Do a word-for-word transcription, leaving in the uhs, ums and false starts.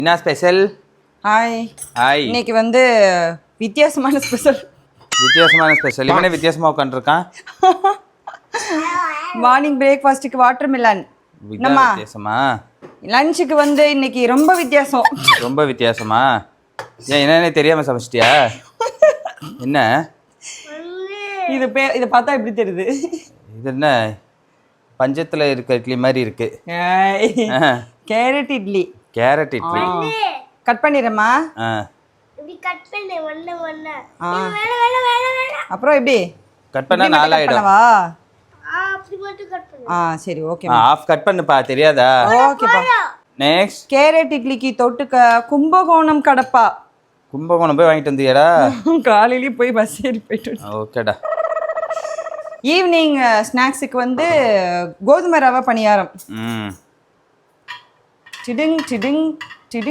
என்ன special? Hi. Hi. இன்னைக்கு வந்து வித்தியாசமான ஸ்பெஷல். வித்தியாசமான ஸ்பெஷல். இவனே வித்தியாசமா உட்காந்துருக்கான். மார்னிங் பிரேக்ஃபாஸ்ட்டுக்கு வாட்டர் மிலன். என்னம்மா வித்தியாசமா? லஞ்சுக்கு வந்து இன்னைக்கு ரொம்ப வித்தியாசம். ரொம்ப வித்தியாசமா? ஏன் என்னன்னே தெரியாம சமைச்சிட்டியா? என்ன இது பே இதை பார்த்தா எப்படி தெரியுது? இது என்ன பஞ்சத்துல இருக்க இட்லி மாதிரி இருக்கு. Carrot idli. Carrot idli cut பண்ணிடுறேம்மா. இப்படி கட் பண்ணு ஒண்ணு ஒண்ணு. ஆ. வேணா வேணா வேணா வேணா. அப்புறம் எப்படி கட் பண்ணா நாலாயிடும். பண்ணவா? ஆ அப்படி மட்டும் கட் பண்ணு. ஆ சரி ஓகே. ஆஃப் கட் பண்ணுப்பா, தெரியாதா? ஓகேப்பா. நெக்ஸ்ட் கேரட் இட்லிக்கு தொட்டுக்க கும்பகோணம் கடப்பா. கும்பகோணம் போய் வாங்கிட்டு வந்தியாடா? காலையிலேயே போய் பஸ் ஏறி போயிட்டு. ஓகேடா. ஈவினிங் ஸ்நாக்ஸுக்கு வந்து கோதுமை ரவை பணியாரம். ம் டிடிங் டிடிங்